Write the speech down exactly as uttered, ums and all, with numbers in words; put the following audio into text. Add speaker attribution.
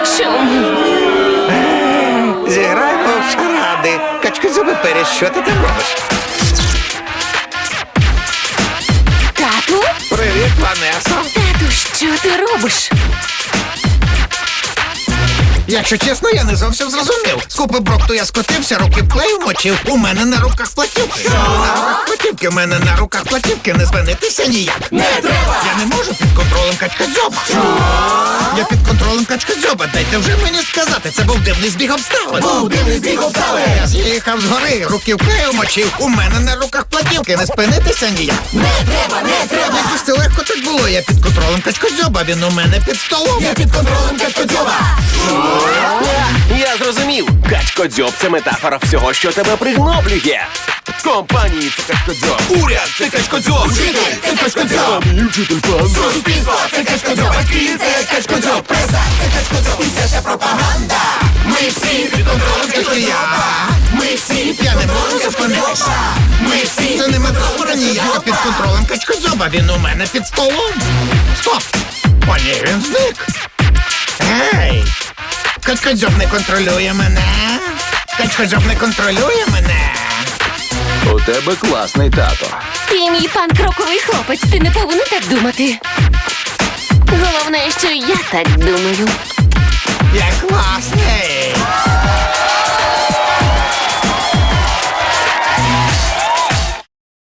Speaker 1: Чому?
Speaker 2: Зіграємо в шаради. Качкозьоби Періс, що ти там робиш?
Speaker 1: Тату?
Speaker 2: Привіт, Ванесо.
Speaker 1: Тату, що ти робиш?
Speaker 2: Якщо чесно, я не зовсім зрозумів. З купи брухту я скотився, руки в клею мочив. У мене на руках платівки. На руках платівки, в мене на руках платівки. Не спинитися ніяк. Не треба! Я не можу під контролем качкадзьоба. Я під контролем качкадзьоба. Дайте вже мені сказати, це був дивний збіг обставин. Був дивний збіг обставин. Я з'їхав згори, руки в клею мочив. У мене на руках платівки. Не спинитися ніяк. Не треба, не треба! Якось це легко так було. Я під контролем качкадзьоба. Він у мене під столом. Я під контролем качкадзьоба.
Speaker 3: Я зрозумів. Качкодзьоб – це метафора всього, що тебе пригноблює. Компанії – це качкодзьоб. Уряд – це качкодзьоб.
Speaker 2: Вчитель, це качкадзьоб.
Speaker 3: Мій вчитель пан.
Speaker 2: Суспільство, це качкадзьоб. Батьки, це качкадзьоб. Преса, це качкадзьоб. І це вся пропаганда. Ми всі під контролем качкадзьоба. Ми всі, я не можу зупинитися. Ми всі, це не метафора ніяка під контролем качкадзьоба. Він у мене під столом. Стоп! О, ні, він зник. Гей! Качкадзьоб не контролює мене. Качкадзьоб не контролює мене.
Speaker 3: У тебе класний тато.
Speaker 1: Ти мій пан кроковий хлопець, ти не повинен так думати. Головне, що я так думаю.
Speaker 2: Я класний.